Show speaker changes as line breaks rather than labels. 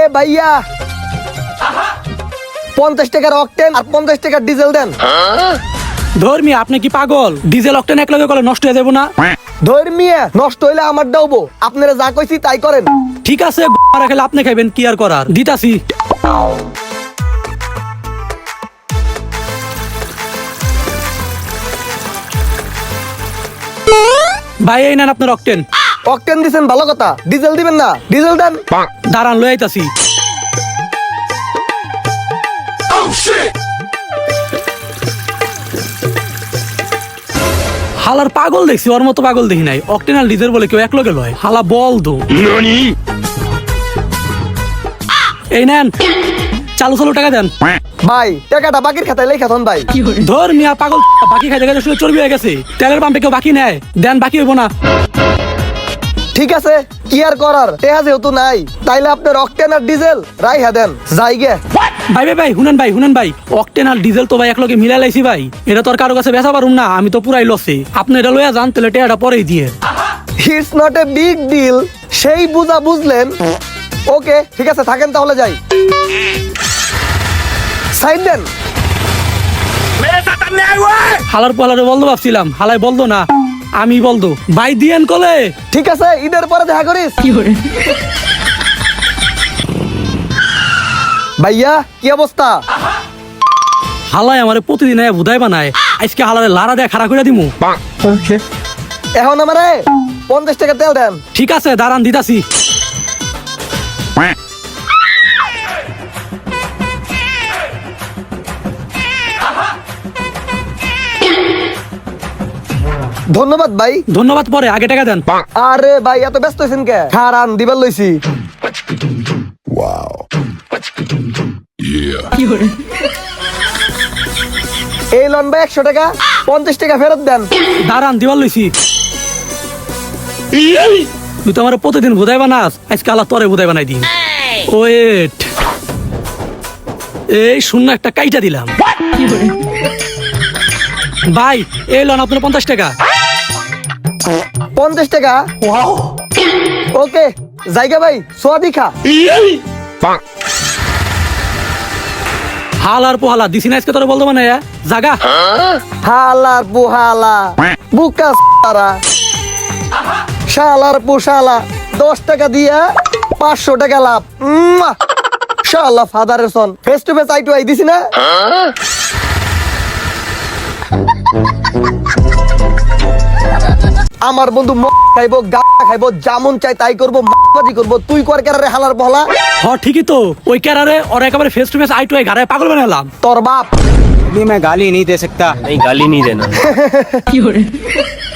ভাইয়া 50 টাকার অকটেন আর 50 টাকার ডিজেল দেন।
ধর্মী আপনি কি পাগল? ডিজেল অক্টেন এক লগে করলে নষ্ট হয়ে যাবো না?
ধর্মিয়া নষ্ট হইলে আমার ডাউবো, আপনারা যা কইছি তাই করেন।
ঠিক আছে মারা খেলে আপনি খাইবেন, কি আর করার, দিতাছি। ভাই এই নেন আপনার অক্টেন।
অকটেন দিছেন ভালো কথা, ডিজেল দিবেন না? ডিজেল দেন।
দাঁড়ান লই আইতাছি। হালার পাগল দেখছি, ওর মতো পাগল দেখি নাই। অক্টেন আর ডিজেল বলে কেউ এক লগে লয়, হালা বল দো। এই নেন, চালু চালু টাকা দেন।
ভাই টাকাটা বাকির খাতায় লেখা থন ভাই।
ধর মিয়া পাগল, বাকি খাইতে খাইতে শুনে চর্বি হয়ে গেছে। তেলের পাম্পে কেউ বাকি নেয়, দেন বাকি হইব না।
ঠিক আছে কি আর করার, টেহা যেহেতু নাই তাইলে আপনার অকটেন আর ডিজেল রাইহা দেন, যাইগে।
ভাই ভাই ভাই শুনেন ভাই, শুনেন ভাই, অকটেন আর ডিজেল তো ভাই এক লগে মিলাই লাইছি ভাই, এটা তো আর কারো কাছে বেচা পারুম না, আমি তো পুরাই লসে। আপনি এটা লইয়া যান, তাহলে টেহাটা পরেই দিয়ে।
It's not a big deal, সেই বুঝা বুঝলেন। ওকে ঠিক আছে, থাকেন তাহলে যাই। সাইড দেন।
হালার পালারে বলতো ভাবছিলাম, হালাই বলতো না, আমি বলতো। ভাই দিয়েন কলে।
ঠিক আছে ঈদের পরে দেখা করিস। ভাইয়া কি অবস্থা?
হালাই আমারে প্রতিদিন বুধাই বানায়, আজকে হালারে লারা দেয়া খাড়া করে দিমু।
এখন আমারে 50 টাকা তেল দেন।
ঠিক আছে দাঁড়ান দিতাছি।
ধন্যবাদ ভাই।
ধন্যবাদ পরে, আগে টাকা দেন।
আরে ভাই এত ব্যস্ত হয়েছেন কে? খারান দিবার লইছি। এই লন ভাই 100 টাকা, 50 টাকা ফেরত দেন।
দাঁড়ান দিবার লইছি। তুই তো আমার প্রতিদিন বুধাই বানাস, আজকে আল্লাহ তরে বুধাই বানাই দিন। ওয়েট, এই শূন্য একটা কাইটা দিলাম। ভাই এই লন আপনার 50 টাকা।
50 টাকা? ওকে জায়গা ভাই, সোয়া দিখা।
হালার পোহালা দিছি না আজকে তোরে বলতো মানে জাগা।
হালার বুহালা বুকা সারা শালার পুশালা, 10 টাকা দিয়া 500 টাকা লাভ। শালা ফাদারের son, face to face eye to eye দিছি না। আমার বন্ধু খাইবো, গাঁজা খাইবো, যেমন চাই তাই করবো, মাছবাজি করবো। তুই কর কেরারে হালার বহলা।
হ ঠিকই তো, ওই ক্যারারে ওর একেবারে face to face eye to eye ঘাড়ে পাগল বানালাম।
তোর বাপ।
मैं गाली नहीं दे सकता।
नहीं गाली नहीं देना।